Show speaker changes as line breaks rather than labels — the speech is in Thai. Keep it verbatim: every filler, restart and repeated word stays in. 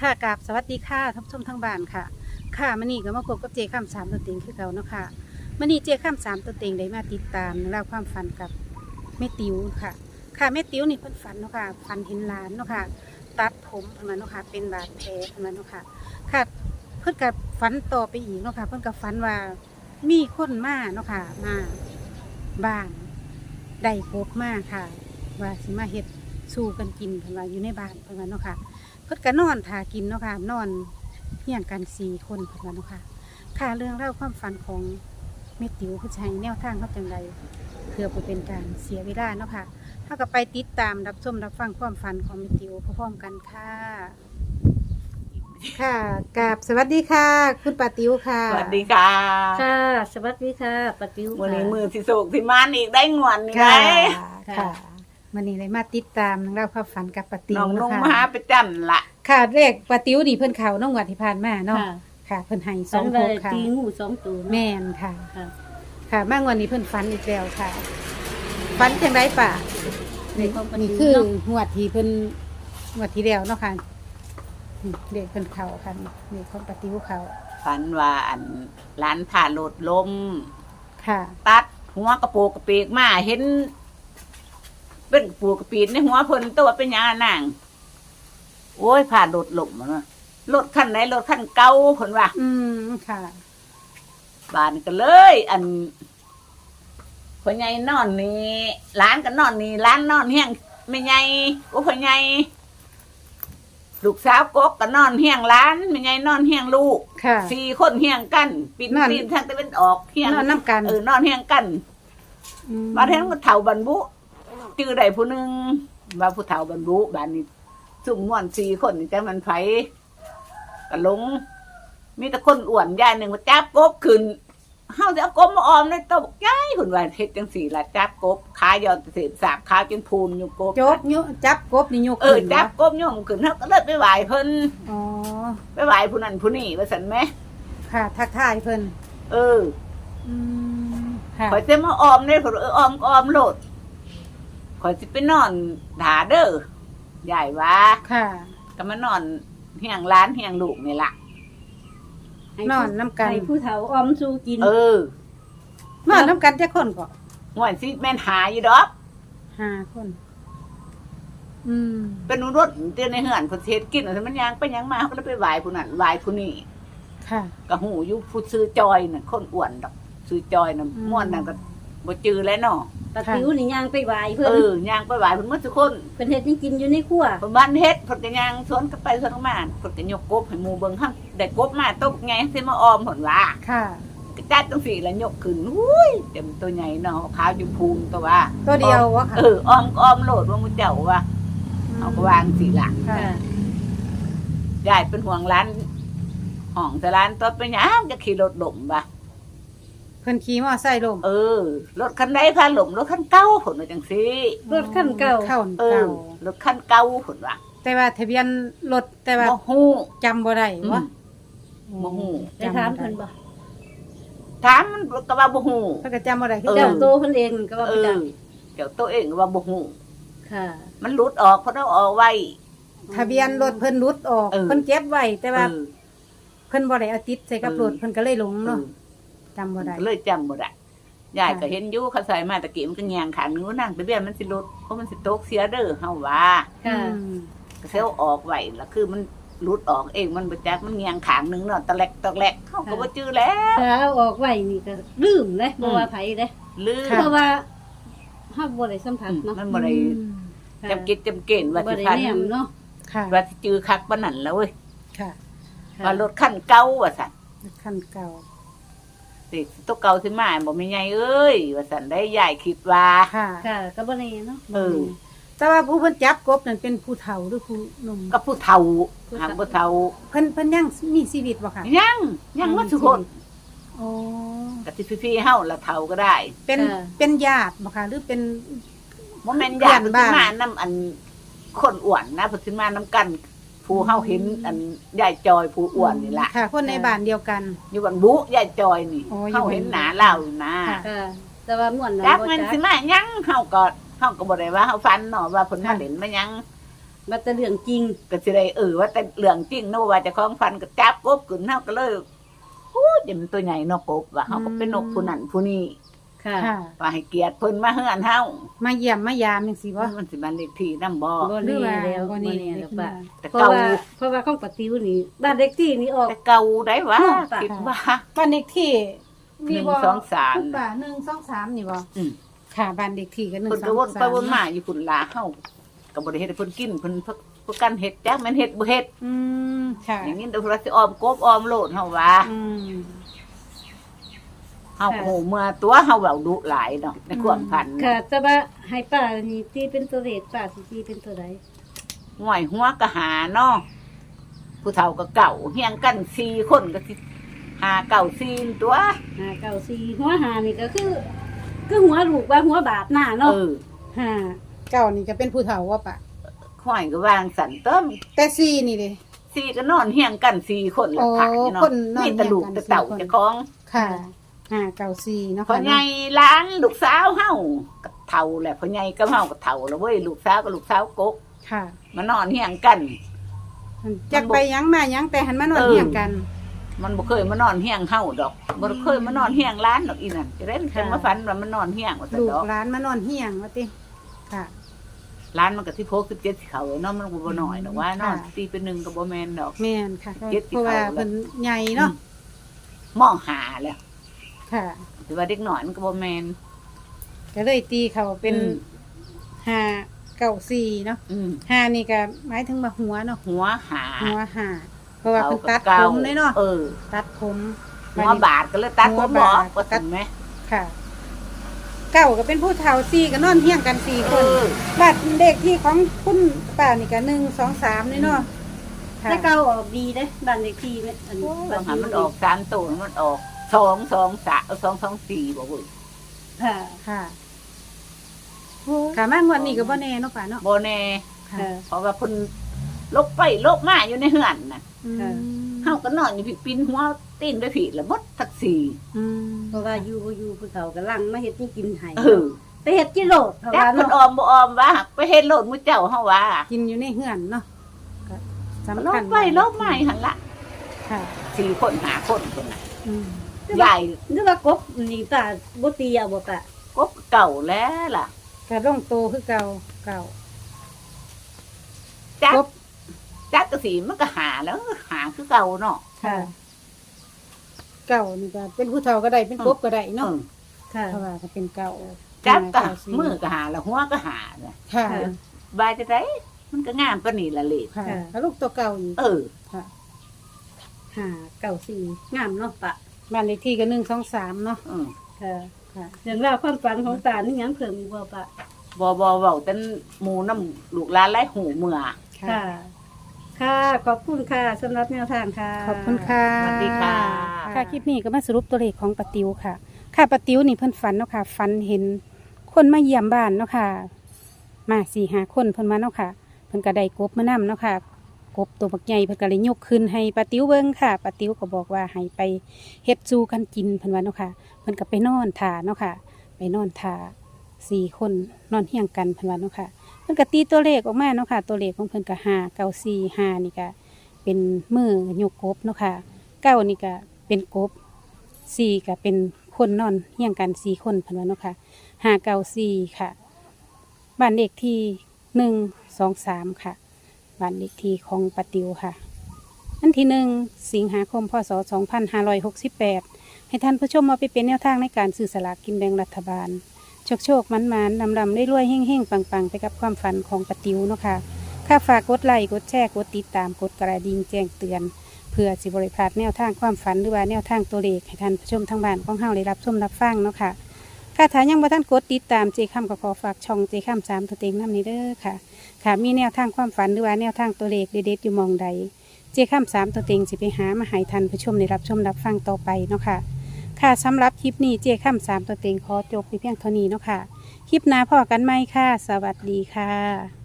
ค่ะกราบสวัสดีค่ะท่านผู้ชมทั้งบ้านค่ะค่ะมื้อนี้ก็มาพบกับเจข้ามสามตัวเต็งคือเก่าเนาะค่ะมื้อนี้เจข้ามสามตัวเต็งได้มาติดตามเรื่องราวความฝันกับแม่ติ๋วค่ะค่ะแม่ติ๋วนี่เพิ่นฝันเนาะค่ะฝันเห็นหลานเนาะค่ะตัดผมเพิ่นว่าเนาะค่ะเป็นบาดแผลเพิ่นว่าเนาะค่ะค่ะเพิ่นก็ฝันต่อไปอีกเนาะค่ะเพิ่นก็ฝันว่ามีคนมาเนาะค่ะมาบ้านได้กบมาค่ะ ว่าสิมาเฮ็ดสู้กันกินเพิ่นว่าอยู่ในบ้านเพิ่นว่าเนาะค่ะ เพิ่นก็นอนท่ากินเนาะค่ะนอนเฮียงกันสี่คนเพิ่นว่าเนาะค่ะค่ะเรื่องเล่าวความฝันของแม่ติ๋วผู้ชายแนวทางเขาจังใดเพื่อบ่เป็นการเสียเวลาเนาะค่ะเฮาก็ไปติดตามรับชมรับฟังความฝันของแม่ติ๋วพร้อมๆกันค่ะ ค่ะกราบสวัสดีค่ะ คุณป้าติ๋วค่ะ
สวัสดีค่ะ
ค่ะสวัสดีค่ะปาติ๋ว
วันนี้
ค่ะ
มือที่สุกที่มานอีกได้งวนนี่ไง
ค่ะค่ะมื้อนี้เลยมาติดตามเรื่องเล่าวความฝันกับป้าติ๋
น้
ว
องนุ่ง
เนาะ
มาหา
ค่ะ
ไปจันละ
ค่ะเลขป้าติ๋วนี่เพิ่นเข้าน้องวัดที่ผ่านมาเนาะ
ค่ะ
ค่ะเพิ่นให้ส
สั
อง
น
ห
เลย
กค่ะ
ตีงูสองตัว
แม่นค่ะ
ค่ะ
ค่ะมากวันนี้เพิ่นฝันอีกแล้วค่ะฝันจังไรป่ะ
ในความปา
นี่
ติ๋ว
คือ
เนาะ
หวดที่เพิ่นหวดที่แล้วเนาะค่ะนี่เด็กเพิ่นเขาค่ะนี่ของปฏิวเขา
ฝันว่าอันร้านผ่าโหลดลม
ค่ะ
ตัดหัวกระโปรงกระเปีกมาเห็น เป็นปูกระปีนในหัวเพิ่นตัวเป็นหยังอะนางโอ้ยผ่าโหลดลมมันว่ารถคันไหนรถคันเก่าเพิ่นว่า
อืมค่ะ
บ้านก็เลย อันพ่อใหญ่นอนนี่ร้านก็นอนนี่ร้านนอนเฮียงไม่ใหญ่โอ้พ่อใหญ่ลูกสาวกกก็นอนเฮียงร้านไม่ใหญ่นอนเฮียงลูก
ค่ะ
สี่คนเฮียงกันปีน
นอน
ปีนทางตะวันออกเฮียง
นอนน้ำกัน
เออนอนเฮียงกัน
อืม
มาแทนก็เฒ่าบรรบุจื้อใดผู้หนึงว่าผู้เฒ่าบรรบุบ้านนี้สุ่มม่วนสี่คนนี่แต่มันไผก็หลง มีแต่คนอ้วนยายหนึ่งมาจับกบขึ้นเฮาจะเอากบมาออมในโต๊ะยายหุ่นว่าเฮ็ดจังสี่ละจับกบขายอดเศษสาบขาวจนพูนอยู่กบ
จบยุจับกบนี่ยก
เออ
ขึ้น
จับกบโยมขึ้นเฮาก็เลยไปไหว้เพิ่น
อ๋อ
ไปไหว้ผู้นั้นผู้นี้ว่าซั่นแหม
ค่ะทักทายเพิ่น
เออ
อืมค่ะ
ข่อยสิมาออมได้เพิ่นเออออมก็ออมโลดข่อยสิไปนอนถาเด้อยายว่า
ค่ะ
ก็มานอนเฮียงร้านเฮียงลูกนี่ล่ะ
ให้
นอนน้ำกัน
ให้ผู้เฒ่าออมสู้กิน
เออน
อนน้ำกันจักคนก็
ม่วนสิแม่นหาอยู่ดอก
ห้าคน อืม
เป็นรถเตือนในเหือนเพิ่นสิเฮ็ดกินแล้วมันยังไปยังมาเขาก็เลยไปไหว้ผู้นั้นไหว้ผู้นี้
ค่ะ
ก็หูอยู่ผู้ซื้อจอยน่ะคนอ้วนดอกซื้อจอยน่ะ
อืม
ม่วนน่ะก็บ่จือแล้วเนาะ
ปาติ๋วนี่ย่างไปไหวเพิ่น
เออย่างไปไหว้เพิ่นหมดทุกคน
เพิ่นเฮ็ดให้กินอยู่ในครัว
เพิ่นบ้านเฮ็ดเพิ่นก็ย่างสวนกันไปสวนกันมาเพิ่นก็ยกกบให้หมู่เบิ่งหั่นได้กบมาตกไงสิมาออมเพิ่นว่า
ค่ะ
ก็จัดจังซี่แล้วยกขึ้นอุ้ยเต็มตัวใหญ่เนาะขาวอยู่พูนตัวว่า
ตัวเดียววะค่ะ
เออออมก็ออมโลดว่าหมู่เจ้าว่าเอาก็วางสิล่ะ
ค่ะ
ค่ะ
ยายเป็นห่วงร้านห้องแต่ร้านตัวเป็นหยังจะขี่รถหลมบ่ะ
เพิ่นขี่มอไซค์ลง
เออรถคันใดพาหลมรถคันเก่าผลว่าจังซี่
รถคันเก่า
เข้า
เอ
เก่า
อรถคันเก่าผลว่า
แต่ว่าทะเบียนรถแต่ว่า
บ่ฮู้
จำบ่ได้วะ
บ่ฮู้
ได้ถามเพิ่นบ่
ถามมันก็ว่าบ่ฮู้
เพิ่นก็จำบ่ได้คือ
เออ
เจ้า
เจ้าโตเพิ่นเองก็ว่า
เอ
ไป
อ
จัง
เจ้าตัวเองก็ว่าบ่ฮู้
ค่ะ
มันหลุดออกเพราะเราเอาไว้
ทะเบียนรถเพิ่นหลุดออก
เออ
เพิ่นเก็บไว้แต่ว่า
เออ
เพิ่นบ่ได้เอาติดใส่กับ
เออ
รถเพิ่นก็เลยหลง
เอ
เนาะ
อ
จำบ่ได้
ก็เลยจำบ่ได้ยายก็
ค่ะ
เห็นอยู่เขาใส่มาตะกี้มันก็แยงขางนึงว่านั่งทะเบียนมันสิหลุดเพราะมันสิตกเสียเด้อเฮาว่า
ค่ะ
อืม
ก็เซลออกไว้แล้วคือมันหลุดออกเองมันบ่จักมันแยงขางนึงเนาะตะแลกตะแลกเฮาก็บ่จื้อแล้ว
ถ้าเอาออกไว้นี่ก็ลืมเลยบ่ว่าไผเด้
ลืม
เพราะว่าเฮาบ่ได้สัมผัสเนาะ
มันบ่ได้
อืม
ค่ะ
จำกิดจำเกณฑ์ว่า
บ่
สิ
ได้
พัน
แนมเนาะ
ค่ะ
ว่าสิจื้อคักปานนั้นแล้วเว้ย
ค่ะ
ค่ะ
ว่ารถคันเก่าว่าซั่น
คันเก่า
สิตัวเก่าสิมาบ่มีใหญ่เอ้ยว่าซั่นได้ยายคิดว่า
ค่ะ
ค่ะก็บ่แน่เนาะ
เออ
แต่ว่าผู้เพิ่นจับกบนั่นเป็นผู้เฒ่าหรือผู้หนุ่ม
ก็ผู้เฒ่าหางผู้เฒ่า
เพิ่นเพิ่นยังมีชีวิตบ่ค่ะ
ยังยังบ่ทุกคน
โอ้
ก็สิพี่ๆเฮาละเฒ่าก็ได้
เป็นเป็นญาติบ่ค่ะหรือเป็น
บ่แม่นญาติ
เพื่
เพิ่
อน
น
บ้าน
มานํอันคนอ้วนนะเพิ่นสิมานํกัน ผู้เฮาเห็นอันยายจอยผู้อ้วนนี่ล่ะ
ค่ะ คนในบ้านเดียวกัน
อยู่บันบุยายจอยนี่
อ๋ออยู่
เฮาเห็นหน้าเล่าอยู่นะ
ค่ะ
ค่ะ แต่ว่าม่วนนั้น
จัก
บ่
มัน
จัก
สิมาหยังเฮาก็เฮาก็บ่ได้ว่าเฮาฟันเนาะว่าเพิ่นมาเล่นมาหยัง
บัดแต่เรื่องจริง
ก็สิได้เออว่าแต่เรื่องจริงเนาะว่าเจะของฟันก็จับกบขึ้นเฮาก็เลยโอ้ยเดี๋ยวมันตัวใหญ่เนาะกบว่าเฮาก็เป็นนกผู้นั้นผู้นี้
ค่ะ
ค่ะ
ว่าให้เกียรติเพิ่นมาเฮือนเฮา
มาเยี่ยมมายามจังซี่บ่
มันสิมันเลขที่นำบ่
บ่
หรือ
แน่
ว่า
แล้ว
บ่
บ่
แน่
แน่แล้วป่ะ
แต่
เพราะ
เก่า
ว่าเพราะว่าของปะติวนี่บ้านเล็กที่นี่ออก
แต่เก่าได้ว่า
เนาะ
คิดว่า
บ้านเลขที่มีบ่
หนึ่งสองสาม
คุณป้าหนึ่งสองสามนี่บ่
อืม
ค่ะบ้านเลขที่ก็หนึ่ง
เพิ่น
ส
ก็
อง
วน
สาม
ไปวนมาอยู่พุ่นลาเฮาก็บ่ได้เฮ็ดให้เพิ่นกินเพิ่นเพิ่นกันเฮ็ดจักแม่นเฮ็ดบ่เฮ็ด
อืมค่ะ
อย่างนี้เดี๋ยวเราสิออมกบออมโลดเฮาว่า
อืม
เฮาโหเมื่อตัวเฮาเว้าดุหลายเนาะในความพัน
ค่ะ แต่ว่าให้ป้านี่ตีเป็นตัวเลขป้าสิตีเป็นตัวใด
ห่วยหัวก็หาเนาะผู้เฒ่าก็เก่าเฮียงกันสี่คนก็สิหาเก่าสี่ตัว
ห้าเก้าสี่หัวหานี่ก็คือคือหัวลูกว่าหัวบาทหน้า
เอ
เนาะ
อ
ห้า
เก้านี่ก็เป็นผู้เฒ่าว่าปะ
ห่วยก็วางสันเติม
แต่สี่นี่เด้
สี่ก็นอนเฮียงกันสี่คนละ
โอ้
ผักเนาะ
คนนอน
นี่ตะลูก
เฮียงกัน
ตะเต่า
สี่คน
เจะคล้าของ
ค่ะห้าเก้าสี่เนาะ
พ่อ
ค่ะ
ใหญ่ล้านลูกสาวเฮาก็เฒ่าแหละพ่อใหญ่ก็เฮาก็เฒ่าแล้วเว้ยลูกสาวก็ลูกสาวกก
ค่ะ
มานอนเฮียงกัน
จักไปหยังมาหยังแต่หันมานอน
เออ
เฮียงกัน
มันบ่เคยมานอนเฮียงเฮาดอกบ่เคยมานอนเฮียงร้านดอกอีนั่นจะได้จังมาฝันว่ามันนอนเฮียงว่าซั่น
ลูก
ดอก
หลานมานอนเฮียงว่าติค่ะ
ร้านมันก็สิบหก สิบเจ็ดสิเขาเนาะมันก็บ่น้อยดอกว่านอน
ค่ะ
ตีเป็นหนึ่งก็บ่แม่นดอก
แม่นค่ะ
เจ็ดสิบ
เพราะว่า
เข้าแล้ว
เพิ่นใหญ่เนาะ
มองหาแล้ว
ค่ะ
แต่ว่าเด็กน้อยมันก็บ่แม่น
ก็เลยตีเขาเป็น
อืม
ห้าเก้าสี่เนาะ
อืม
ห้านี่ก็หมายถึงว่าหัวเนาะ
หัวหา
หัวห้าเพราะว่าเพิ่นตัด
ก่
ผมเลยเนาะ
เออ
ตัดผม
หัวบาดก็เลยตัด
หั
ผ
ว
มบ่
บาด
ก็ถึงไหม
ค่ะ เก้าก็เป็นผู้เฒ่าสี่ก็นอนเฮียงกันสี่ค
เอน อ
บัตรเด็กที่ของคุณป้านี่ก็หนึ่งสองสามนี่เนาะค่ะ
แต่เก่าออกดีเด้บ้านเล็กที่เนี่ยอัน
บางหันมันออกสามตัวมันออกสองสองสามสองสองสี่บ่เว้ย
ค่ะ
ค่ะค่ะมางวดนี้ก็บ่แน่เนาะป้าเนาะ
บ่แน่
ค่ะ
ค่ะ
เพราะว่าเพิ่นลกไปลกมาอยู่ในเฮือนน่ะ
อืม
ค่ะ
เฮาก็นอนอยู่พี่ปีนหัวตีนด้วยผีละมดทักสี่
อืม
เพราะว่าอยู่บ่อยู่ผู้เฒ่ากำลังมาเฮ็ดให้กินให้
เออ
ไปเฮ็ดกิโลดเพราะ
จัก
ว่า
เพิ่น
เนาะ
ออมบ่ออมว่าไปเฮ็ดโลดมื้อเจ้าเฮาว่า
กินอยู่ในเฮือนเนาะก็สำ
ล
คั
ก
ญ
ไปลกมาหั่นละ
ค่ะ
สี่คนห้าคนคนน่ะ
อืม
ใหญ่
นึกว่ากบนี่ป้าบ่ตีเอาบ่ป้าก
บเก่าแล้วล่ะ
ก็ลงโตคือเก่าเก่า
จัก
กบ
จักก็สิมันก็หาแล้วหาคือเก่าเนาะ
ค่ะ เก่านี่ก็เป็นผู้เฒ่าก็ได้เป็นกบก็ได้
เอ
เนาะ
อ
ค่ะ
เพราะว่าก็เป็นเก่า
จักก็
เาสี่
มือก็หาแล้วหัวก็หาน่ะ
ค่ะ
ค่ะ
บายจะได้มันก็งามปานนี้ละเลข
ค่ะ
ค่ะ
แล้วลูกตัวเก่าอีก
เออ
ค่ะ
ห้าเก้าสี่งามเนาะป้า
บ้านเลขที่ก็หนึ่งสองสามเนาะ
อืม
ค่ะ
ค่ะ
เรื่องราวความฝันของตานี่ยังเพิ่มอีกบ่ป้า
บ่บ่เว้าแต่หมู่น้ำลูกหลานหลายหูเมื่อ
ค่ะ ค่ะ ขอบคุณค่ะสำหรับแนวทางค่ะ
ขอบคุณค่ะ
สวัสดีค่ะ
ค่ะคลิปนี้ก็มาสรุปตัวเลขของปาติวค่ะ ค่ะปาติวนี่เพิ่นฝันเนาะค่ะฝันเห็นคนมาเยี่ยมบ้านเนาะค่ะ มาสี่หาคนเพิ่นมาเนาะค่ะ เพิ่นก็ได้กบมานำเนาะค่ะ กบตัวบักใหญ่เพิ่นก็เลยยกขึ้นให้ปาติวเบิ่งค่ะปาติวก็บอกว่าให้ไปเฮ็ดจูกันกินเพิ่นว่าเนาะค่ะ เพิ่นก็ไปนอนท่าเนาะค่ะ ไปนอนท่าสี่คนนอนเฮียงกันเพิ่นว่าเนาะค่ะ เพิ่นก็ตีตัวเลขออกมาเนาะค่ะ ตัวเลขของเพิ่นก็ห้าเก้าสี่ห้านี่ก็เป็นมือยกกบเนาะค่ะเก้านี่ก็เป็นกบสี่ก็เป็นคนนอนเฮียงกันสี่คนเพิ่นว่าเนาะค่ะห้าเก้าสี่ค่ะบ้านเลขที่หนึ่งสองสามค่ะบ้านเลขที่ของปาติวค่ะอันที่หนึ่งสิงหาคมพศสองพันห้าร้อยหกสิบแปดให้ท่านผู้ชมมาไปเป็นแนวทางในการซื้อสลากกินแบ่งรัฐบาล โชคโชคมันมันนำลำได้รวยเฮ่งเฮ่งปังปังไปกับความฝันของปาติวเนาะค่ะค่าฝากกดไลค์กดแชร์กดติดตามกดกระดิ่งแจ้งเตือน เพื่อสิบริพลาดแนวทางความฝันหรือว่าแนวทางตัวเลขให้ท่านผู้ชมทางบ้านของเฮาได้รับชมรับฟังเนาะค่ะค่ะถ้ายังบ่ท่านกดติดตามเจคำก็ขอฝากช่องเจคำสามตัวเต็งน้ำนี้เด้อค่ะ ค่ะมีแนวทางความฝันหรือว่าแนวทางตัวเลขเด็ดๆอยู่หมองใด เจคำสามตัวเต็งสิไปหามาให้ท่านผู้ชมได้รับชมรับฟังต่อไปเนาะค่ะค่ะสำหรับคลิปนี้เจคำสามตัวเต็งขอจบไปเพียงเท่านี้เนาะค่ะ คลิปหน้าพอกันไหมค่ะ สวัสดีค่ะ